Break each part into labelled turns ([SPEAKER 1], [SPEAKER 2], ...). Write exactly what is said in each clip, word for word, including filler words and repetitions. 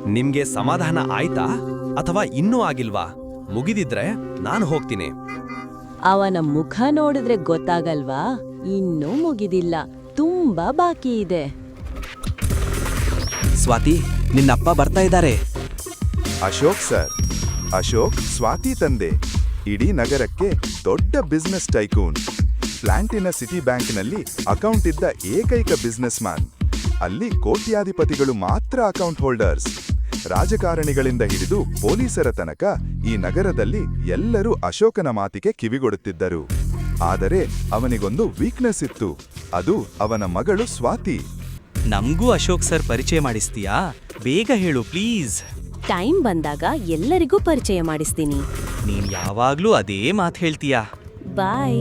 [SPEAKER 1] ನಿಮ್ಗೆ ಸಮಾಧಾನ ಆಯ್ತಾ ಅಥವಾ ಇನ್ನೂ ಆಗಿಲ್ವಾ? ಮುಗಿದಿದ್ರೆ ನಾನು ಹೋಗ್ತೀನಿ.
[SPEAKER 2] ಅವನ ಮುಖ ನೋಡಿದ್ರೆ ಗೊತ್ತಾಗಲ್ವಾ? ಇನ್ನೂ ಮುಗಿದಿಲ್ಲ, ತುಂಬಾ ಬಾಕಿ ಇದೆ.
[SPEAKER 1] ಸ್ವಾತಿ, ನಿನ್ನಪ್ಪ ಬರ್ತಾ ಇದ್ದಾರೆ.
[SPEAKER 3] ಅಶೋಕ್ ಸರ್, ಅಶೋಕ್ ಸ್ವಾತಿ ತಂದೆ, ಇಡೀ ನಗರಕ್ಕೆ ದೊಡ್ಡ ಬಿಸ್ನೆಸ್ ಟೈಕೂನ್. ಪ್ಲಾಂಟಿನ ಸಿಟಿ ಬ್ಯಾಂಕ್ನಲ್ಲಿ ಅಕೌಂಟ್ ಇದ್ದ ಏಕೈಕ ಬಿಸ್ನೆಸ್ ಮ್ಯಾನ್. ಅಲ್ಲಿ ಕೋಟ್ಯಾಧಿಪತಿಗಳು ಮಾತ್ರ ಅಕೌಂಟ್ ಹೋಲ್ಡರ್ಸ್. ರಾಜಕಾರಣಿಗಳಿಂದ ಹಿಡಿದು ಪೊಲೀಸರ ತನಕ ಈ ನಗರದಲ್ಲಿ ಎಲ್ಲರೂ ಅಶೋಕನ ಮಾತಿಗೆ ಕಿವಿಗೊಡುತ್ತಿದ್ದರು. ಆದರೆ ಅವನಿಗೊಂದು ವೀಕ್ನೆಸ್ ಇತ್ತು, ಅದು ಅವನ ಮಗಳು ಸ್ವಾತಿ.
[SPEAKER 4] ನಮ್ಗೂ ಅಶೋಕ್ ಸರ್ ಪರಿಚಯ ಮಾಡಿಸ್ತೀಯಾ? ಬೇಗ ಹೇಳು ಪ್ಲೀಸ್.
[SPEAKER 2] ಟೈಮ್ ಬಂದಾಗ ಎಲ್ಲರಿಗೂ ಪರಿಚಯ ಮಾಡಿಸ್ತೀನಿ.
[SPEAKER 4] ನೀನ್ ಯಾವಾಗ್ಲೂ ಅದೇ ಮಾತು ಹೇಳ್ತೀಯಾ.
[SPEAKER 2] ಬಾಯ್.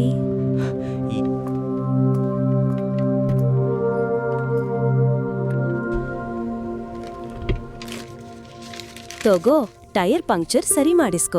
[SPEAKER 2] ತಗೋ, ಟೈರ್ ಪಂಕ್ಚರ್ ಸರಿ ಮಾಡಿಸ್ಕೋ.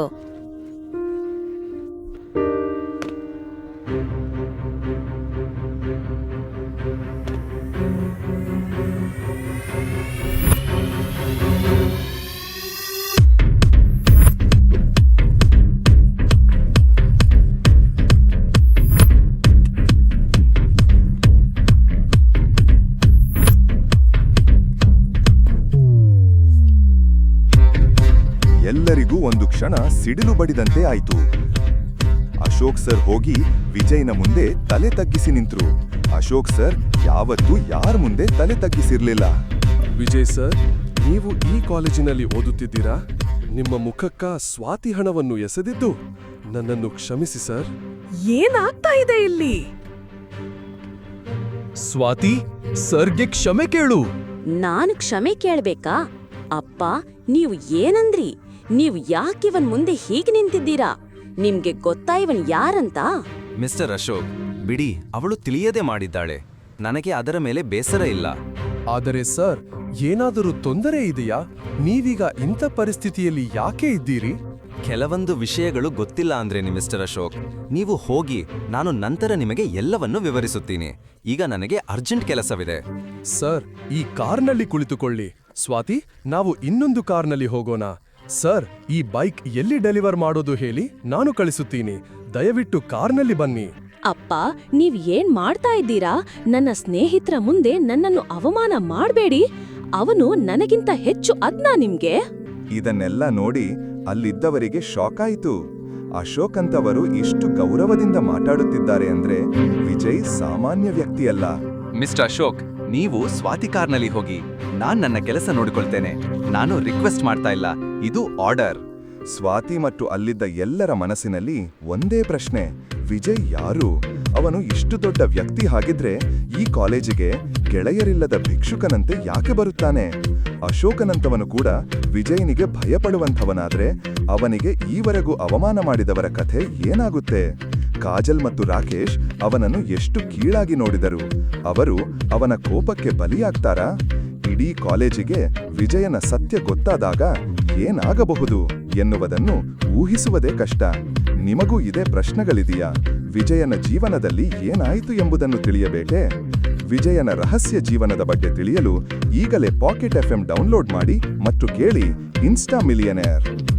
[SPEAKER 3] ಎಲ್ಲರಿಗೂ ಒಂದು ಕ್ಷಣ ಸಿಡಿಲು ಬಡಿದಂತೆ ಆಯಿತು. ಅಶೋಕ್ ಸರ್ ಹೋಗಿ ವಿಜಯ್ನ ಮುಂದೆ ತಲೆ ತಗ್ಗಿಸಿ ನಿಂತರು. ಅಶೋಕ್ ಸರ್ ಯಾವತ್ತೂ ಯಾರ ಮುಂದೆ ತಲೆ ತಗ್ಗಿಸಿರ್ಲಿಲ್ಲ.
[SPEAKER 5] ವಿಜಯ್ ಸರ್, ನೀವು ಈ ಕಾಲೇಜಿನಲ್ಲಿ ಓದುತ್ತಿದ್ದೀರಾ? ನಿಮ್ಮ ಮುಖಕ್ಕ ಸ್ವಾತಿ ಹಣವನ್ನು ಎಸೆದಿದ್ದು ನನ್ನನ್ನು ಕ್ಷಮಿಸಿ ಸರ್.
[SPEAKER 6] ಏನಾಗ್ತಾ ಇದೆ ಇಲ್ಲಿ?
[SPEAKER 5] ಸ್ವಾತಿ, ಸರ್ಗೆ ಕ್ಷಮೆ ಕೇಳು.
[SPEAKER 2] ನಾನು ಕ್ಷಮೆ ಕೇಳ್ಬೇಕಾ? ಅಪ್ಪ, ನೀವು ಏನಂದ್ರಿ? ನೀವು ಯಾಕಿವನ್ ಮುಂದೆ ಹೀಗೆ ನಿಂತಿದ್ದೀರಾ? ನಿಮ್ಗೆ ಗೊತ್ತಾ ಇವನ್ ಯಾರಂತ?
[SPEAKER 1] ಮಿಸ್ಟರ್ ಅಶೋಕ್, ಬಿಡಿ, ಅವಳು ತಿಳಿಯದೆ ಮಾಡಿದ್ದಾಳೆ. ನನಗೆ ಅದರ ಮೇಲೆ ಬೇಸರ ಇಲ್ಲ.
[SPEAKER 5] ಆದರೆ ಸರ್, ಏನಾದರೂ ತೊಂದರೆ ಇದೆಯಾ? ನೀವೀಗ ಇಂಥ ಪರಿಸ್ಥಿತಿಯಲ್ಲಿ ಯಾಕೆ ಇದ್ದೀರಿ?
[SPEAKER 1] ಕೆಲವೊಂದು ವಿಷಯಗಳು ಗೊತ್ತಿಲ್ಲ ಅಂದ್ರೇನಿ ಮಿಸ್ಟರ್ ಅಶೋಕ್. ನೀವು ಹೋಗಿ, ನಾನು ನಂತರ ನಿಮಗೆ ಎಲ್ಲವನ್ನೂ ವಿವರಿಸುತ್ತೀನಿ. ಈಗ ನನಗೆ ಅರ್ಜೆಂಟ್ ಕೆಲಸವಿದೆ.
[SPEAKER 5] ಸರ್, ಈ ಕಾರ್ನಲ್ಲಿ ಕುಳಿತುಕೊಳ್ಳಿ. ಸ್ವಾತಿ, ನಾವು ಇನ್ನೊಂದು ಕಾರ್ನಲ್ಲಿ ಹೋಗೋಣ. ಸರ್, ಈ ಬೈಕ್ ಎಲ್ಲಿ ಡೆಲಿವರ್ ಮಾಡೋದು ಹೇಳಿ, ನಾನು ಕಳಿಸುತ್ತೀನಿ. ದಯವಿಟ್ಟು ಕಾರ್ನಲ್ಲಿ ಬನ್ನಿ.
[SPEAKER 2] ಅಪ್ಪ, ನೀವ್ ಏನ್ ಮಾಡ್ತಾ ಇದ್ದೀರಾ? ನನ್ನ ಸ್ನೇಹಿತರ ಮುಂದೆ ನನ್ನನ್ನು ಅವಮಾನ ಮಾಡಬೇಡಿ. ಅವನು ನನಗಿಂತ ಹೆಚ್ಚು ಅದ್ನಾ ನಿಮ್ಗೆ?
[SPEAKER 3] ಇದನ್ನೆಲ್ಲ ನೋಡಿ ಅಲ್ಲಿದ್ದವರಿಗೆ ಶಾಕ್ ಆಯಿತು. ಅಶೋಕ್ ಅಂತವರು ಇಷ್ಟು ಗೌರವದಿಂದ ಮಾತಾಡುತ್ತಿದ್ದಾರೆ ಅಂದ್ರೆ ವಿಜಯ್ ಸಾಮಾನ್ಯ ವ್ಯಕ್ತಿಯಲ್ಲ.
[SPEAKER 1] ಮಿಸ್ಟರ್ ಅಶೋಕ್, ನೀವು ಸ್ವಾತಿ ಕಾರ್ನಲ್ಲಿ ಹೋಗಿ. ನಾನ್ ನನ್ನ ಕೆಲಸ ನೋಡಿಕೊಳ್ತೇನೆ. ನಾನು ರಿಕ್ವೆಸ್ಟ್ ಮಾಡ್ತಾ ಇಲ್ಲ, ಇದು ಆರ್ಡರ್.
[SPEAKER 3] ಸ್ವಾತಿ ಮತ್ತು ಅಲ್ಲಿದ್ದ ಎಲ್ಲರ ಮನಸ್ಸಿನಲ್ಲಿ ಒಂದೇ ಪ್ರಶ್ನೆ, ವಿಜಯ್ ಯಾರು? ಅವನು ಇಷ್ಟು ದೊಡ್ಡ ವ್ಯಕ್ತಿ ಹಾಗಿದ್ರೆ ಈ ಕಾಲೇಜಿಗೆ ಗೆಳೆಯರಿಲ್ಲದ ಭಿಕ್ಷುಕನಂತೆ ಯಾಕೆ ಬರುತ್ತಾನೆ? ಅಶೋಕನಂತವನು ಕೂಡ ವಿಜಯನಿಗೆ ಭಯಪಡುವಂಥವನಾದ್ರೆ ಅವನಿಗೆ ಈವರೆಗೂ ಅವಮಾನ ಮಾಡಿದವರ ಕಥೆ ಏನಾಗುತ್ತೆ? ಕಾಜಲ್ ಮತ್ತು ರಾಕೇಶ್ ಅವನನ್ನು ಎಷ್ಟು ಕೀಳಾಗಿ ನೋಡಿದರು. ಅವರು ಅವನ ಕೋಪಕ್ಕೆ ಬಲಿಯಾಗ್ತಾರಾ? ಇಡೀ ಕಾಲೇಜಿಗೆ ವಿಜಯನ ಸತ್ಯ ಗೊತ್ತಾದಾಗ ಏನಾಗಬಹುದು ಎನ್ನುವುದನ್ನು ಊಹಿಸುವುದೇ ಕಷ್ಟ. ನಿಮಗೂ ಇದೇ ಪ್ರಶ್ನೆಗಳಿದೆಯಾ? ವಿಜಯನ ಜೀವನದಲ್ಲಿ ಏನಾಯಿತು ಎಂಬುದನ್ನು ತಿಳಿಯಬೇಕೇ? ವಿಜಯನ ರಹಸ್ಯ ಜೀವನದ ಬಗ್ಗೆ ತಿಳಿಯಲು ಈಗಲೇ ಪಾಕೆಟ್ ಎಫ್ ಎಂ ಡೌನ್ಲೋಡ್ ಮಾಡಿ ಮತ್ತು ಕೇಳಿ ಇನ್ಸ್ಟಾ ಮಿಲಿಯನೇರ್.